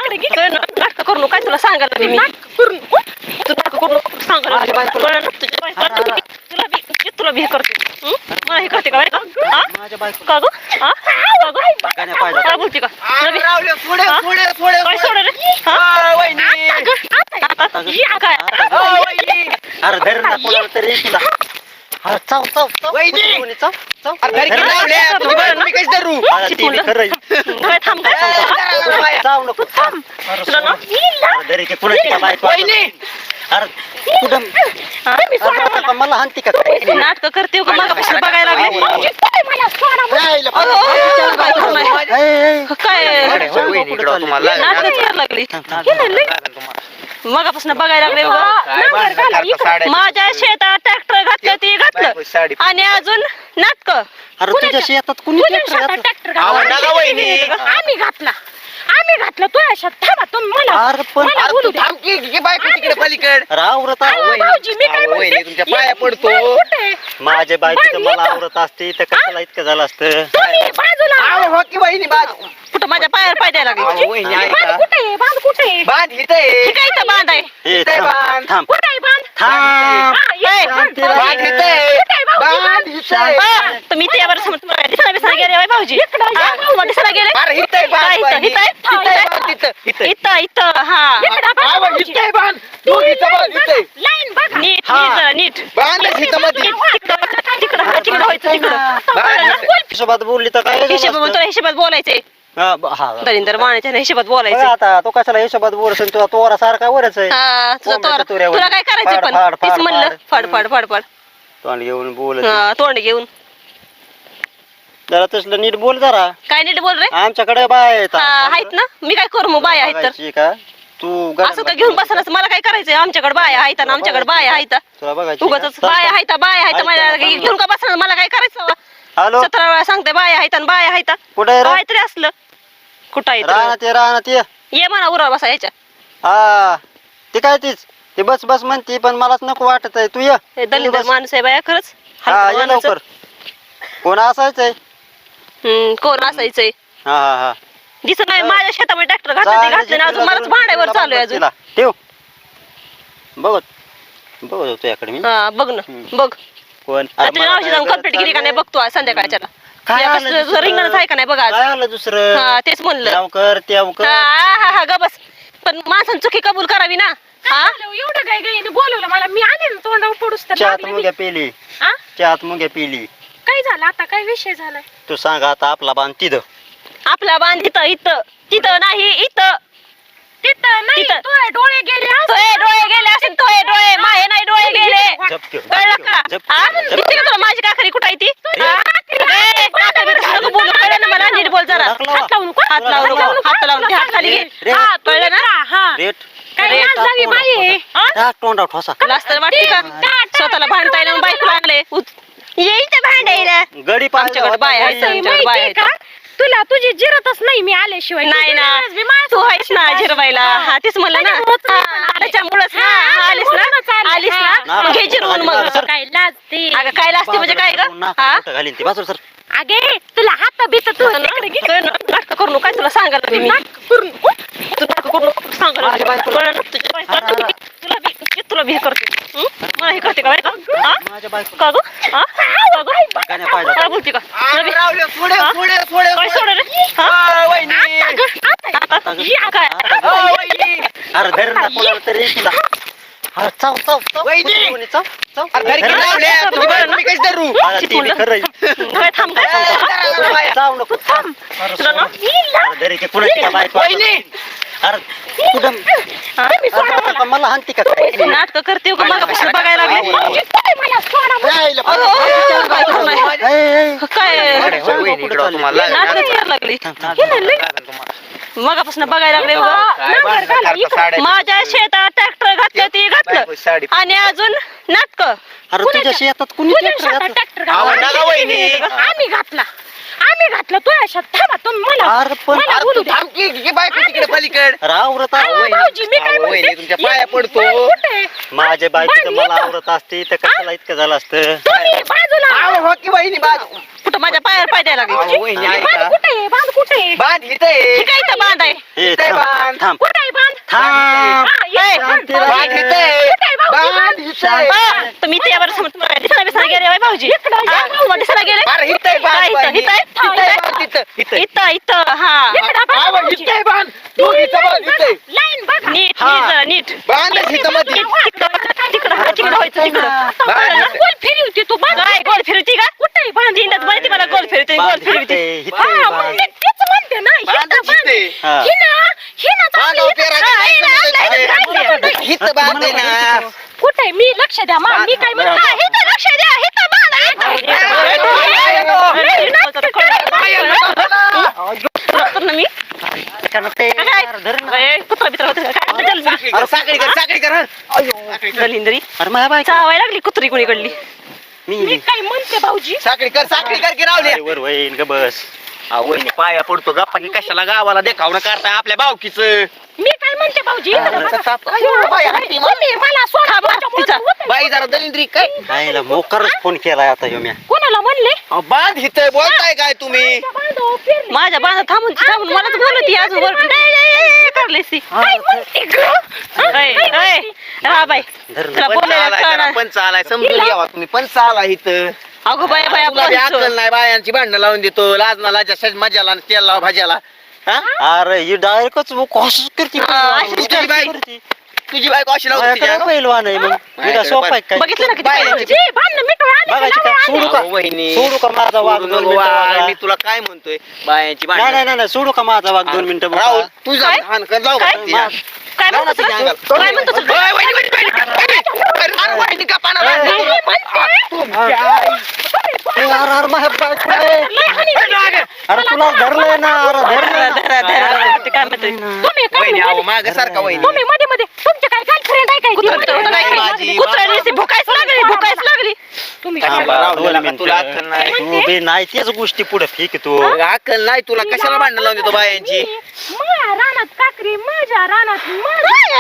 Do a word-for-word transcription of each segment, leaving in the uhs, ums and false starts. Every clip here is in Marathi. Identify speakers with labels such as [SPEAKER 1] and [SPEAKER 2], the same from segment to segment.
[SPEAKER 1] नाटक करू नको काय तुला सांगायला मी तू नाटक करू नको सांगायला तुला बी तुला बी हे करते मला हे करते का का गं काय बोलते का काय सोड रे काय
[SPEAKER 2] अरे धर ना कोणाला तरी तुला अरे चाव चाव चाव वहिनी चाव चाव अरे धर की लावल्या तुम्ही कशी धरू अरे ती खरं
[SPEAKER 1] काय थांब काय
[SPEAKER 2] चाव नको थांब अरे धर की कोणाची बायको वहिनी अरे कुठं मला हानती का
[SPEAKER 1] नाटक करते का मागापासून बघायला लागले काय नाटक करायला लागली मगापासून बघायला लागले माझ्या शेतात ट्रॅक्टर घातलं ते घातलं आणि अजून नाटक
[SPEAKER 2] अरे तुझ्या शेतात कुणी ट्रॅक्टर
[SPEAKER 3] आम्ही घातला आम्ही घातलं तू अशा थांबा तुम्ही मला
[SPEAKER 2] अरे पण
[SPEAKER 3] बोलू दे
[SPEAKER 4] की बायको तिकडे पलीकड
[SPEAKER 2] आवरत
[SPEAKER 3] भाऊजी मी काय म्हणते
[SPEAKER 4] तुमच्या पाया पडतो
[SPEAKER 2] माझ्या बायकोचं मला आवरत असते तर कशाला इतकं झालं असतं
[SPEAKER 3] तुम्ही बाजूला
[SPEAKER 4] हो की वहिनी बाजू
[SPEAKER 1] कुठं माझ्या पायावर पाय द्यायला लागले
[SPEAKER 4] वहिनी
[SPEAKER 3] बांध कुठे आहे बांध कुठे आहे
[SPEAKER 4] बांध इथे
[SPEAKER 1] हे काय इथं बांध आहे
[SPEAKER 2] ए, थांब थांब
[SPEAKER 3] कुठे आहे बांध
[SPEAKER 2] थांब
[SPEAKER 3] हा, ये, बांध.
[SPEAKER 4] बांध इथे
[SPEAKER 3] कुठे आहे भाऊजी?
[SPEAKER 4] बांध इथे
[SPEAKER 1] हा, तुम्ही त्यावर दिसायला बिसायला गेले बाई भाऊजी हा, तुम्हाला दिसायला गेले
[SPEAKER 4] अरे इथे
[SPEAKER 1] काय
[SPEAKER 4] बांध
[SPEAKER 1] इथं
[SPEAKER 4] वहिनी.
[SPEAKER 1] इथं
[SPEAKER 4] इथे बांध इथं इथे
[SPEAKER 1] इथं इथं हा
[SPEAKER 3] इकडं बांध
[SPEAKER 4] आवा,
[SPEAKER 3] भाऊजी.
[SPEAKER 4] इथे बांध
[SPEAKER 3] तू
[SPEAKER 4] तू इथं बांध इथे
[SPEAKER 3] लाईन बघा
[SPEAKER 1] नीट
[SPEAKER 2] हा.
[SPEAKER 1] नीट नीट
[SPEAKER 4] बांध इथं मध्ये
[SPEAKER 1] तिकडं तिकडं तिकडं व्हायचं तिकडं
[SPEAKER 2] हिशोबात बोलली तर काय झालं
[SPEAKER 1] हिशोबात
[SPEAKER 2] असतं?
[SPEAKER 1] तुला हिशोबात बोलायचंय
[SPEAKER 2] हा, ब- हा.
[SPEAKER 1] दलिंदर मानाच्या हिशोबात
[SPEAKER 2] बघ
[SPEAKER 1] बोलायचंय
[SPEAKER 2] आता तो कशाला हिशोबात बोलशील तुला तोरा सारखा वरच आहे
[SPEAKER 1] हा, तुझं
[SPEAKER 2] कोंबड्याच्या
[SPEAKER 1] तोर-
[SPEAKER 2] तुऱ्यावर.
[SPEAKER 1] तुला काय करायचं
[SPEAKER 2] फाड,
[SPEAKER 1] पण
[SPEAKER 2] फाड,
[SPEAKER 1] तीच
[SPEAKER 2] फाड,
[SPEAKER 1] म्हणलं
[SPEAKER 2] फाड.
[SPEAKER 1] फाड फाड फाड फाड
[SPEAKER 2] तोंड घेऊन बोलत
[SPEAKER 1] हा, तोंड घेऊन
[SPEAKER 2] जरा तसलं नीट बोल जरा
[SPEAKER 1] काय नीट बोल रे
[SPEAKER 2] आमच्याकडे बाय आहेत.
[SPEAKER 1] हा, आहेत ना मी काय करू मग बाया आहेत तर
[SPEAKER 2] बघायची का तू
[SPEAKER 1] असं तर घेऊन बसलास मला काय करायचंय आमच्याकडे बाया आहेत ना आमच्याकडे बाया आहेत
[SPEAKER 2] तुला बघायची
[SPEAKER 1] उगाच बाया आहेत बाया आहेत माझ्या घेऊन का बसणार मला काय करायचं
[SPEAKER 2] हॅलो
[SPEAKER 1] सतरा वेळा सांगते बाया आहेत आणि बाया आहेत
[SPEAKER 2] कुठे
[SPEAKER 1] काय तरी असलं कुठं आहे
[SPEAKER 2] राहणार ते राहणार ते
[SPEAKER 1] ये म्हणा उरा बसा याच्या
[SPEAKER 2] हा ते काय तीच ते बस बस म्हणते पण मलाच नको वाटत आहे तू ये
[SPEAKER 1] हे दलिंदर माणूस आहे बाया खरंच
[SPEAKER 2] हा
[SPEAKER 1] हलकं
[SPEAKER 2] ये
[SPEAKER 1] माणूस.
[SPEAKER 2] लवकर कोण असायचंय
[SPEAKER 1] हम्म, कोण असायचंय
[SPEAKER 2] हा हा हा
[SPEAKER 1] दिसत नाही माझ्या शेतामध्ये ट्रॅक्टर घातलं ते घातलं अजून मलाच भांड्यावर चालू आहे अजून
[SPEAKER 2] तिला ठेव बघत बघत होतो याकडे मी
[SPEAKER 1] हा बघ ना
[SPEAKER 2] हम्म.
[SPEAKER 1] बघ
[SPEAKER 2] कोण
[SPEAKER 1] तुझ्या नावाची जाऊन कंप्लीट केली का नाही बघतो आज संध्याकाळच्या
[SPEAKER 2] काय आलं
[SPEAKER 1] तुझं
[SPEAKER 2] दुसरं?
[SPEAKER 1] रिंगणच आहे का नाही बघ आज
[SPEAKER 2] काय आलं दुसरं
[SPEAKER 1] हा तेच म्हणलं
[SPEAKER 2] त्याव कर त्याव कर
[SPEAKER 1] हा हा हा ग बस पण माणसानं चुकी कबूल करावी ना हा
[SPEAKER 3] एवढं काय गाईने बोलवलं मला मी आले ना तोंडावर पडूस तर
[SPEAKER 2] चहात
[SPEAKER 3] लागले मी.
[SPEAKER 2] मुंग्या पिली
[SPEAKER 3] हा?
[SPEAKER 2] चहात मुंग्या पिली
[SPEAKER 3] काय झालं आता काय विषय झालाय
[SPEAKER 2] तू सांग आता आपला बांध तिथं
[SPEAKER 1] आपला बांध इथं इथं तिथं नाही इथं
[SPEAKER 3] तिथं नाही
[SPEAKER 1] तिथं.
[SPEAKER 3] तुझे डोळे गेले असं.
[SPEAKER 1] तोय डोळे गेले असेल तोय डोळे माहे नाही डोळे गेले
[SPEAKER 2] झपके
[SPEAKER 1] कळलं का
[SPEAKER 2] झप-
[SPEAKER 1] हा?
[SPEAKER 2] झप-
[SPEAKER 1] दिसते का तुला माझी काकरी कुठं आहे ती हा? ए, काकरी बिकरी नको बोलू कळलं ना मला नीट बोल जरा
[SPEAKER 2] हात लावा.
[SPEAKER 1] हात लावू नको हात लावू नको हात लावून हात खाली घे
[SPEAKER 2] रे.
[SPEAKER 1] हा, कळलं ना
[SPEAKER 3] हा
[SPEAKER 2] रेट
[SPEAKER 3] काय
[SPEAKER 1] रे,
[SPEAKER 3] लाज झाली बाई आहे? हा?
[SPEAKER 2] टाक तोंडावर ठोसा
[SPEAKER 1] लाज तर वाटते का स्वतःला भांडता येईल बायको लागले ये इथं भांडायला
[SPEAKER 2] गडी
[SPEAKER 1] आमच्याकडे बाय आहेत
[SPEAKER 3] तुला
[SPEAKER 1] आमच्याकडे बाय
[SPEAKER 3] माहितीये
[SPEAKER 1] आहेत
[SPEAKER 3] का तुला तुझी जिरतच नाही मी आल्याशिवाय
[SPEAKER 1] नाही ना
[SPEAKER 3] मी माझं
[SPEAKER 1] तू आहेस ना जिरवायला हा तेच म्हणलं ना
[SPEAKER 3] त्याच्यामुळंच मी पण
[SPEAKER 1] हा,
[SPEAKER 3] आले.
[SPEAKER 1] त्याच्यामुळंच ना
[SPEAKER 3] हा,
[SPEAKER 1] हा, आलीस
[SPEAKER 3] म्हणूनच
[SPEAKER 1] ना
[SPEAKER 3] आले.
[SPEAKER 1] आलीस
[SPEAKER 3] हा.
[SPEAKER 1] ना मग घे जिरवून मग
[SPEAKER 2] सर.
[SPEAKER 3] काय लाजते
[SPEAKER 1] अगं काय लागते म्हणजे काय ग हा
[SPEAKER 2] घालीन ती बाजूला सर
[SPEAKER 3] अगे तुला हात बीत तू तिकडे गेली.
[SPEAKER 1] नाटक करू नको काय तुला सांगायला मी
[SPEAKER 3] नाटक करू नको.
[SPEAKER 1] तू नाटक करू नको सांगायला
[SPEAKER 2] माझ्या बायकोला-
[SPEAKER 1] कळलं ना? तुझ्या बायकोला तुला बी तुला बी हे करते हं? मला हे करते का बायको हा
[SPEAKER 2] माझ्या बायको
[SPEAKER 1] का गं हा का गं
[SPEAKER 2] गाण्या पाहिजे
[SPEAKER 1] काय बोलते का तुला बी-
[SPEAKER 4] रावले पुढे
[SPEAKER 1] हा?
[SPEAKER 4] पुढे पुढे
[SPEAKER 1] काय सोड रे हा?
[SPEAKER 4] हा, वहिनी
[SPEAKER 3] आता ग, आता ग.
[SPEAKER 1] आता या काय
[SPEAKER 4] हा, वहिनी
[SPEAKER 2] अरे धर ना कोणाला तरी तुला अरे चाव चाव चाव
[SPEAKER 4] वहिनी.
[SPEAKER 2] कोणी चाव चाव
[SPEAKER 4] अरे धर की
[SPEAKER 2] धर ना.
[SPEAKER 4] लावल्या तुम्ही कशी धरू
[SPEAKER 2] अरे ती बी खरं आहे.
[SPEAKER 1] काय थांब काय थांब
[SPEAKER 2] चाव नको थांब अरे
[SPEAKER 1] तुला ना
[SPEAKER 2] अरे धर की कोणाची बायको
[SPEAKER 4] वहिनी
[SPEAKER 2] अरे कुठं
[SPEAKER 1] हा?
[SPEAKER 2] अरे आता मला हानती का काय
[SPEAKER 1] नाटक करते का मागापासून बघायला लागले
[SPEAKER 3] मला सोडा.
[SPEAKER 4] यायला
[SPEAKER 1] अहो,
[SPEAKER 4] पाहिजे.
[SPEAKER 1] काय करू नाही.
[SPEAKER 2] ए, ए,
[SPEAKER 1] काय
[SPEAKER 4] अरे, हो, वहिनी, इकडं तुम्हाला
[SPEAKER 1] नाटक करायला लागली मगापासून बघायला लागले बघा माझ्या शेतात ट्रॅक्टर घातलं ते घातलं आणि अजून नाटक
[SPEAKER 2] अरे तुझ्या शेतात कुणी
[SPEAKER 3] तुझ्या
[SPEAKER 2] ट्रॅक्टर
[SPEAKER 3] शेतात
[SPEAKER 2] घातलं?
[SPEAKER 3] ट्रॅक्टर
[SPEAKER 4] आवा,
[SPEAKER 3] घातला.
[SPEAKER 4] नका वहिनी.
[SPEAKER 3] आम्ही घातला आम्ही घातलं तू अशा थांबा तुम्ही मला
[SPEAKER 2] अरे पण
[SPEAKER 3] मला
[SPEAKER 4] अरे
[SPEAKER 3] बोलू
[SPEAKER 4] तू
[SPEAKER 3] द्या.
[SPEAKER 4] थांब की, की बायको तिकडे पलीकड
[SPEAKER 2] अरे आवरत
[SPEAKER 3] अहो,
[SPEAKER 2] आहे.
[SPEAKER 3] भाऊजी मी काय
[SPEAKER 4] अहो, वहिनी,
[SPEAKER 3] म्हणते
[SPEAKER 4] तुमच्या पाया पडतो.
[SPEAKER 3] बाण कुठे?
[SPEAKER 2] माझ्या बायकोचं
[SPEAKER 3] बाण
[SPEAKER 2] मला
[SPEAKER 3] येतं.
[SPEAKER 2] आवरत असते तर कशाला इतकं झालं असतं.
[SPEAKER 3] तुम्ही बाजूला
[SPEAKER 4] अहो, हो की वहिनी बांध
[SPEAKER 1] कुठं माझ्या पायावर पाय द्यायला लागले
[SPEAKER 4] अहो, वहिनी
[SPEAKER 3] बाण
[SPEAKER 4] ऐका
[SPEAKER 3] कुठे आहे? बाण कुठे आहे?
[SPEAKER 4] बांध इथे
[SPEAKER 1] हे काय इथं बांध आहे
[SPEAKER 2] ए,
[SPEAKER 4] इथे
[SPEAKER 2] थांब
[SPEAKER 4] बांध.
[SPEAKER 2] थांब
[SPEAKER 3] कुठे आहे बाण?
[SPEAKER 2] थांब
[SPEAKER 3] हा, ये,
[SPEAKER 1] ए,
[SPEAKER 3] बाण,
[SPEAKER 2] तिला-
[SPEAKER 3] बाण.
[SPEAKER 4] बांध इथे
[SPEAKER 3] कुठे आहे भाऊजी?
[SPEAKER 4] बांध इथे
[SPEAKER 1] हा, तुम्ही ते यावर समज तुम्हाला दिसायला बिसायला गेले होय भाऊजी
[SPEAKER 3] इकडं या,
[SPEAKER 1] हा, तुम्हाला दिसायला गेले
[SPEAKER 4] अरे इथे बांध
[SPEAKER 1] काय इथं,
[SPEAKER 4] वहिनी.
[SPEAKER 1] इथं, इथं,
[SPEAKER 4] इथे
[SPEAKER 1] इथं.
[SPEAKER 4] बांध, इथं, इथं.
[SPEAKER 1] इथं इथं हा
[SPEAKER 3] इकडं बघा
[SPEAKER 4] अहो,
[SPEAKER 3] भाऊजी.
[SPEAKER 4] इथे बांध
[SPEAKER 3] ती
[SPEAKER 4] दोघीचं
[SPEAKER 3] लाईन
[SPEAKER 4] बांध
[SPEAKER 3] बघा,
[SPEAKER 4] इथे
[SPEAKER 3] लाईन बघा.
[SPEAKER 1] नीट
[SPEAKER 2] हा.
[SPEAKER 1] नीट जरा नीट
[SPEAKER 4] बांध इथं मध्ये
[SPEAKER 1] तिकडं तिकडं तिकडं व्हायचं तिकडं
[SPEAKER 4] बांध
[SPEAKER 3] आता गोल फिरवते तू बाण
[SPEAKER 1] काय गोल फिरती का
[SPEAKER 3] कुठे आहे बाण?
[SPEAKER 1] इंदात माहिती मला गोल फिरते गोल
[SPEAKER 2] बांध
[SPEAKER 1] फिरते
[SPEAKER 2] इथे, इथे
[SPEAKER 3] हा,
[SPEAKER 2] बांध.
[SPEAKER 3] मग मी तेच म्हणते ना
[SPEAKER 4] बांध
[SPEAKER 3] इथं बाण.
[SPEAKER 4] इथे.
[SPEAKER 2] हा.
[SPEAKER 3] हिना हिना
[SPEAKER 4] बांध
[SPEAKER 3] चांगली
[SPEAKER 4] पेरा
[SPEAKER 3] इथं-
[SPEAKER 4] काय
[SPEAKER 3] हिना,
[SPEAKER 4] समजत
[SPEAKER 3] हिना,
[SPEAKER 4] नाही.
[SPEAKER 3] हिना, हिना.
[SPEAKER 4] इथं बांध आहे ना
[SPEAKER 3] कुठे आहे? मी लक्ष द्या मा मी काय म्हणते
[SPEAKER 4] बांध.
[SPEAKER 3] हा, इथं लक्ष द्या इथं बाण आहे, इथं.
[SPEAKER 1] मी
[SPEAKER 2] कारण ते-
[SPEAKER 1] काय?
[SPEAKER 2] अरे धर ना.
[SPEAKER 1] ए, कुत्रा बित्रा होतं का? काय बदल मी?
[SPEAKER 4] अरे साखळी कर साखळी कर हं.
[SPEAKER 1] दलिंदरी
[SPEAKER 2] अरे माझ्या बायको
[SPEAKER 1] चावायला लागली कुत्री कुणीकडली
[SPEAKER 3] मी
[SPEAKER 2] मी
[SPEAKER 3] काय म्हणते भाऊजी
[SPEAKER 4] साखळी कर साखळी कर की रावल्या
[SPEAKER 2] अरे वर वहीन ग बस
[SPEAKER 4] अहो, वहिनी पाया पडतो गप्पा की कशाला गावाला देखावणं करताय आपल्या बावकीच
[SPEAKER 3] मी काय म्हणते भाऊजी इकडं
[SPEAKER 2] अरे,
[SPEAKER 3] बघा.
[SPEAKER 4] ताप-
[SPEAKER 3] अयो,
[SPEAKER 4] बाई, हाती मा-
[SPEAKER 3] तुम्ही मला सोडा
[SPEAKER 1] खा बा,
[SPEAKER 3] तुमच्यामुळे
[SPEAKER 1] तिचा.
[SPEAKER 3] होतंय.
[SPEAKER 4] बाई जरा दलिंद्री काय
[SPEAKER 2] नाहीला मोकारच फोन केलाय आता ह्यो म्या
[SPEAKER 3] कोणाला म्हणले
[SPEAKER 4] अहो, बांध इथे बोलताय काय तुम्ही
[SPEAKER 3] बांधव फिरले.
[SPEAKER 1] माझ्या बांधा थांबून थांबून मलाच बोलत अजून वर करलेस ती
[SPEAKER 3] काय म्हणते गं?
[SPEAKER 1] ऐ, ऐ, राहा बाई
[SPEAKER 2] धर ना.
[SPEAKER 1] तुला
[SPEAKER 4] पंच
[SPEAKER 1] बोलायला
[SPEAKER 4] आलाय जरा,
[SPEAKER 1] कळणार
[SPEAKER 4] पंच आलाय समजून घ्यावा तुम्ही पंच आला इथं
[SPEAKER 1] अगो बाया बाया
[SPEAKER 4] तुला बी
[SPEAKER 1] पंच.
[SPEAKER 4] अक्कल नाही बायांची भांडणं लावून देतो लाज ना लाजा मजाला आणि तेल लावा भाज्याला हा
[SPEAKER 2] अरे ही डायरेक्टच असंच करते
[SPEAKER 1] हा, अशीच
[SPEAKER 4] तुझी बाई
[SPEAKER 2] करते.
[SPEAKER 4] तुझी बायको अशी लावते
[SPEAKER 2] माझ्याकडे
[SPEAKER 4] तिच्या
[SPEAKER 2] पहिलवान आहे मग मी काय सोपा आहे काय
[SPEAKER 1] बघितलं ना किती
[SPEAKER 4] बाया-
[SPEAKER 1] पाहिजे
[SPEAKER 3] जी, भांडणं मिटून आले का
[SPEAKER 2] बघायची का
[SPEAKER 3] लावा
[SPEAKER 2] सोडू
[SPEAKER 3] आले.
[SPEAKER 2] का
[SPEAKER 4] अहो, वहिनी
[SPEAKER 2] सोडू का माझा वाघ
[SPEAKER 4] सोडू
[SPEAKER 2] दोन
[SPEAKER 4] नको
[SPEAKER 2] मिनिटं
[SPEAKER 4] वाघ.
[SPEAKER 2] वागा?
[SPEAKER 4] मी तुला काय म्हणतोय बायांची
[SPEAKER 2] नाही
[SPEAKER 4] भांडणं
[SPEAKER 2] नाही नाही नाही, सोडू का माझा वाघ दोन मिनिटं बघा?
[SPEAKER 4] राहुल तुझा
[SPEAKER 1] काय?
[SPEAKER 4] हान कर लाव
[SPEAKER 1] काय?
[SPEAKER 4] बरं तिच्या.
[SPEAKER 1] काय
[SPEAKER 4] लाव ना
[SPEAKER 1] म्हणतो
[SPEAKER 4] तिच्या
[SPEAKER 1] तुला?
[SPEAKER 4] अंगाला.
[SPEAKER 1] काय म्हणतो तुला?
[SPEAKER 4] ओय, वहिनी, वहिनी, वहिनी, वहिनी. अरे, वहिनी का पाना
[SPEAKER 2] ए,
[SPEAKER 4] लागली?
[SPEAKER 3] मी म्हणते,
[SPEAKER 2] ए, अरे अरे माझ्या बायको आहे.
[SPEAKER 3] लय हानी झाली.
[SPEAKER 2] अरे तुला धरलंय ना अरे
[SPEAKER 1] धरा,
[SPEAKER 2] धरलंय
[SPEAKER 1] धरा, धरा, धरा. ते काय म्हणते
[SPEAKER 3] तुम्ही काय
[SPEAKER 4] वहिनी, अहो,
[SPEAKER 3] म्हणले?
[SPEAKER 4] मागं सारखा वहिनी.
[SPEAKER 3] तुम्ही मध्ये मध्ये तुमचे काय गर्लफ्रेंड आहे काय
[SPEAKER 1] कुत्रा
[SPEAKER 3] ती
[SPEAKER 1] होतं
[SPEAKER 3] मध्ये-
[SPEAKER 1] नाही
[SPEAKER 4] माझी-
[SPEAKER 1] काही. कुत्र्याने नुसती भुकायच लागली भुकायच लागली
[SPEAKER 3] तुम्ही
[SPEAKER 4] कशाला
[SPEAKER 2] थांबा,
[SPEAKER 4] राहुल,
[SPEAKER 2] दोन
[SPEAKER 4] तुला- तुला अक्कल
[SPEAKER 2] मिनिटं.
[SPEAKER 4] नाही.
[SPEAKER 2] तू बी नाही तेच गोष्टी पुढे फेक तू
[SPEAKER 4] अक्कल नाही तुला कशाला भांडणं लावून देतो बायांची
[SPEAKER 3] माझ्या रानात काकरी माझ्या रानात माझ्या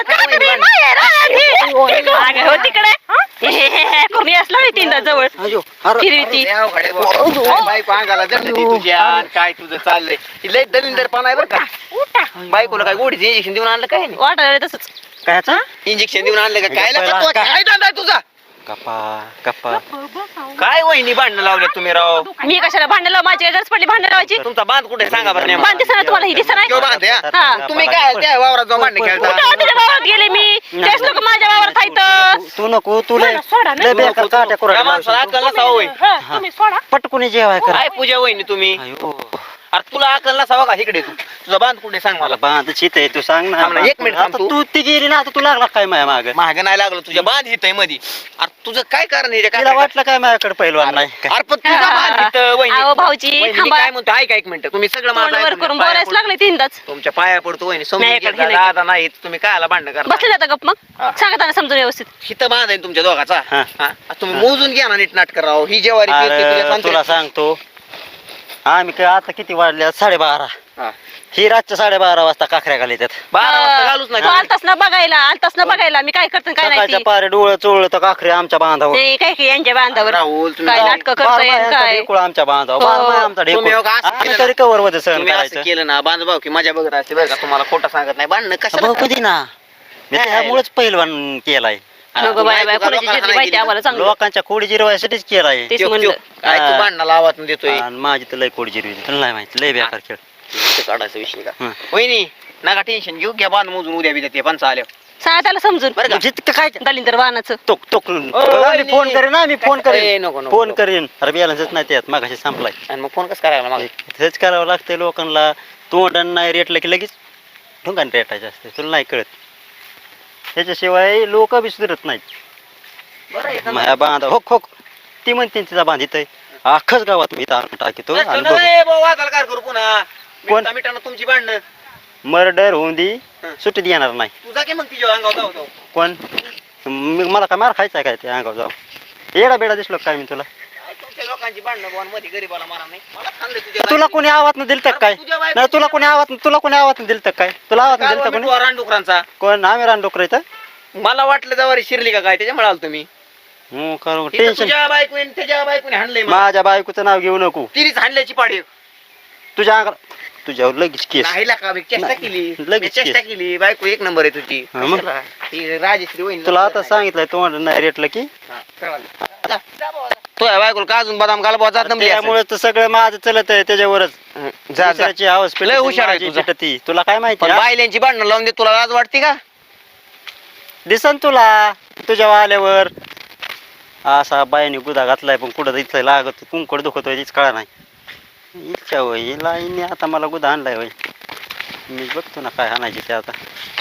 [SPEAKER 1] अगं, हो तिकडे हे, हे, हे, हे, करून यास लागली तीनदा जवळ
[SPEAKER 2] अयो अरे
[SPEAKER 1] फिरती
[SPEAKER 4] अरे, अवघड आहे बाबा. काय बायको अंगाला जडली ती तुझ्या काय तुझं चाललंय ती लय दलिंदरपणा आहे बरं का
[SPEAKER 3] उठा
[SPEAKER 4] बायकोला काय गोडीचं इंजेक्शन देऊन आणलं काय नाही
[SPEAKER 1] वाटायला तसंच
[SPEAKER 2] कायचा
[SPEAKER 4] इंजेक्शन देऊन आणलं का काय
[SPEAKER 2] पहिला
[SPEAKER 4] लागत तुला?
[SPEAKER 2] काय?
[SPEAKER 4] काय धंदा आहे तुझा
[SPEAKER 2] गप्पा गप्पा
[SPEAKER 4] काय वहिनी भांडणं लावले तुम्ही राव
[SPEAKER 1] मी कशाला भांडण लाव माझी गरज पडली भांडण लावायची
[SPEAKER 4] तुमचा बांध कुठे आहे? सांगा बरं नेमका.
[SPEAKER 1] बांध दिसणार तुम्हाला ही दिसणार
[SPEAKER 4] किंवा बांध आहे, हा?
[SPEAKER 1] हा.
[SPEAKER 4] तुम्ही काय त्या वावरात जाऊन भांडणं
[SPEAKER 1] कुठं
[SPEAKER 4] खेळता
[SPEAKER 1] तुझ्या गावात गेले मी तेच लोक माझ्या गावात आहेत
[SPEAKER 2] तू नको तू लय
[SPEAKER 3] मला सोडा ना.
[SPEAKER 2] लय बेकार काट्या
[SPEAKER 4] त्या
[SPEAKER 2] कुऱ्हाड्या
[SPEAKER 4] माणसाला
[SPEAKER 2] लावशील
[SPEAKER 4] अक्कल नसावं होय
[SPEAKER 3] हा, तुम्ही सोडा
[SPEAKER 2] पटकुनी जेवाय कर
[SPEAKER 4] काय पूजा वहिनी तुम्ही
[SPEAKER 2] अयो
[SPEAKER 4] अरे तुला अक्कल नसावं का इकडे तू तुझा बांध कुठे सांग मला
[SPEAKER 2] मला बांध चित आहे तू सांग ना
[SPEAKER 4] थांब ना, एक मिनिट थांब
[SPEAKER 2] आता
[SPEAKER 4] तू.
[SPEAKER 2] तू ती गेली ना आता तू लागला काय माझ्या माग
[SPEAKER 4] महाग नाही लागलं तुझ्या बांध हित मध्ये अरे तुझं काय कारण आहे रे? काय
[SPEAKER 2] तिला वाटलं काय माझ्याकडे पहिलवान नाही काय
[SPEAKER 4] अरे पण तुझा बांध हिथं, वहिनी.
[SPEAKER 1] अहो भाऊजी
[SPEAKER 4] वहिनी, मी
[SPEAKER 1] थांबा
[SPEAKER 4] काय म्हणतो ऐका एक मिनिट तुम्ही सगळं माझं
[SPEAKER 1] तोंड वर
[SPEAKER 4] ऐकून
[SPEAKER 1] करून
[SPEAKER 4] घ्या. पाया
[SPEAKER 1] बोलायच
[SPEAKER 4] पडतो.
[SPEAKER 1] लागले तीनदाच
[SPEAKER 4] तुमच्या पाया पडतो वहिनी समजून
[SPEAKER 1] नाही,
[SPEAKER 4] घ्या.
[SPEAKER 1] इकडे,
[SPEAKER 4] दादा नाही तुम्ही कायला भांडण करता
[SPEAKER 1] बसले जाता गप मग
[SPEAKER 4] हा.
[SPEAKER 1] सांगा त्यांना समजून व्यवस्थित
[SPEAKER 4] हिथं बांध आहे तुमच्या दोघाचा
[SPEAKER 2] हा.
[SPEAKER 4] हा. तुम्ही मोजून घ्या ना नीट नाटक राव ही जेवारी पेरते तुझ्या
[SPEAKER 2] अरे
[SPEAKER 4] संत्र्यात.
[SPEAKER 2] तुला सांगतो आम्ही काय आता किती वाजल्या साडेबारा
[SPEAKER 4] हा.
[SPEAKER 2] ही रातच्या साडेबारा वाजता काखऱ्या घाली त्यात
[SPEAKER 4] बारा वाजता घालूच
[SPEAKER 1] तू
[SPEAKER 4] नाही
[SPEAKER 1] आलतास ना बघायला आलतास ना बघायला मी काय करते काय नाही
[SPEAKER 2] सकाळच्या
[SPEAKER 1] ती.
[SPEAKER 2] पारे डोळं चोळलं तर काखरे आमच्या बांधावर
[SPEAKER 1] नाही काय काय यांच्या बांधावर
[SPEAKER 4] राहुल तुम्ही
[SPEAKER 1] काय
[SPEAKER 4] जाऊ.
[SPEAKER 1] नाटकं करताय आणि काय
[SPEAKER 2] ढेकुळ आमच्या बांधावर
[SPEAKER 1] हो.
[SPEAKER 2] बारमाही आमचा
[SPEAKER 4] तुम्ही
[SPEAKER 2] ढेकुळ
[SPEAKER 4] हो का असं
[SPEAKER 2] आम्ही
[SPEAKER 4] केलं
[SPEAKER 2] तरी कवर मध्ये सहन
[SPEAKER 4] तुम्ही असं
[SPEAKER 2] करायचं
[SPEAKER 4] केलं ना बांध भाऊ की माझ्या बघत असते बरं का तुम्हाला खोटं सांगत नाही भांडणं कशाला
[SPEAKER 2] भाऊ कधी ना मी
[SPEAKER 4] नाही.
[SPEAKER 2] त्यामुळेच पहिलवान केलाय
[SPEAKER 1] नको बाय बाय कोणाची जिरली माहिती आम्हाला चांगलं
[SPEAKER 2] लोकांच्या खोडी जिरवायसाठीच केलाय
[SPEAKER 1] तेच
[SPEAKER 4] त्यो-
[SPEAKER 1] म्हणलं
[SPEAKER 4] त्यो. काय तू
[SPEAKER 2] हा.
[SPEAKER 4] भांडणं लावत देतोय
[SPEAKER 2] आणि माझी तर लय खोडी जिरवी तुला नाही माहिती लय बेकार खेळ
[SPEAKER 4] ते काढायचा विषय का
[SPEAKER 2] हं.
[SPEAKER 4] वहिनी नका टेन्शन घेऊ घ्या बांध मोजून उद्या बिद्या ते पण चालेल
[SPEAKER 1] सांगा त्याला समजून
[SPEAKER 4] बरं का
[SPEAKER 2] जितकं काय
[SPEAKER 1] दलिंदर वाहनाचं
[SPEAKER 2] तो तो
[SPEAKER 4] वहिनी.
[SPEAKER 2] मी फोन करेन ना मी फोन
[SPEAKER 4] ए,
[SPEAKER 2] करेन
[SPEAKER 4] नको नको
[SPEAKER 2] फोन
[SPEAKER 4] नको.
[SPEAKER 2] करेन अरे बॅलन्सच नाही त्यात मागाशी संपलाय
[SPEAKER 4] आणि मग फोन कसं करायला मग
[SPEAKER 2] हेच करावं लागतंय लोकांना तोंडान नाही रेटलं की लगेच ढुंगान रेटायचं असते तुला नाही कळत त्याच्याशिवाय लोक बी सुधरत नाहीत माझ्या बांधा होक होक ती म्हणते तिचा बांधित आहे अख्खच गावात मी तारण टाकीतो आणि बघ
[SPEAKER 4] वादाल करू पुन्हा
[SPEAKER 2] कोण?
[SPEAKER 4] मिठा मिठानं तुमची भांडणं
[SPEAKER 2] मर्डर होऊन दी
[SPEAKER 4] हं.
[SPEAKER 2] सुट्टी येणार नाही
[SPEAKER 4] तुझा की मग तिच्या अंगावर जाऊ जाऊ
[SPEAKER 2] कोण मी मला काय मार खायचा काय ते अंगावर जाऊ येडा बेडा दिसलो काय मी तुला
[SPEAKER 4] तुमच्या लोकांची भांडणं बुवा मध्ये गरीबाला मारा नाही मला सांगले तुझ्या
[SPEAKER 2] तुला
[SPEAKER 4] बायकोने.
[SPEAKER 2] कोणी आवाज दिलं तर काय
[SPEAKER 4] तुझ्या बायकोने
[SPEAKER 2] नाही तुला कोणी आवाज तुला कोणी आवाज दिलं तर काय तुला आवाज दिलं तर
[SPEAKER 4] कालवा
[SPEAKER 2] कोणी
[SPEAKER 4] मिठवा रानडुकरांचा
[SPEAKER 2] कोण आम्ही रानडुकर इथं
[SPEAKER 4] मला वाटलं जवारी शिरली का काय त्याच्यामुळे आलो तुम्ही
[SPEAKER 2] हो करू
[SPEAKER 4] इथं
[SPEAKER 2] टेन्शन
[SPEAKER 4] तुझ्या बायकोने त्याच्या बायकोने हाणलंय मला.
[SPEAKER 2] माझ्या बायकोचं नाव घेऊ नको
[SPEAKER 4] तिरीच हाणल्याची पाडी
[SPEAKER 2] तुझ्या अंगाला तुझ्यावर लगेच केस
[SPEAKER 4] नाही का मी चेष्टा
[SPEAKER 2] नाही,
[SPEAKER 4] केली
[SPEAKER 2] लगेच
[SPEAKER 4] मी चेष्टा
[SPEAKER 2] केस.
[SPEAKER 4] केली बायको एक नंबर आहे तुझी
[SPEAKER 2] हा, मग?
[SPEAKER 4] कशाला? ती राजश्री वहिनी
[SPEAKER 2] तुला आता सांगितलंय तोंड नाही रेटलं की
[SPEAKER 4] हा, कळालं. जा, जा बाबा, जा. तो आहे बायकोला का अजून बदाम घाल बुवा, जात नंबली असेल.
[SPEAKER 2] त्यामुळे तर सगळं माझं चलत आहे त्याच्यावरच
[SPEAKER 4] हं, जा जा
[SPEAKER 2] दुसऱ्याची आवाज
[SPEAKER 4] लय हुशार आहे तुझा.
[SPEAKER 2] ती तुला काय माहिती
[SPEAKER 4] पण
[SPEAKER 2] हा?
[SPEAKER 4] बायल्यांची भांडणं लावून दे तुला लाज वाटते का
[SPEAKER 2] दिसन तुला तुझ्या आल्यावर असा बायाने गुदा घातलाय पण कुठं इथं लागत कुंकड दुखतोय तीच कळा नाही इच्छा होय लाईने आता मला गुदा आणलाय होय मी बघतो ना काय आणायची ते आता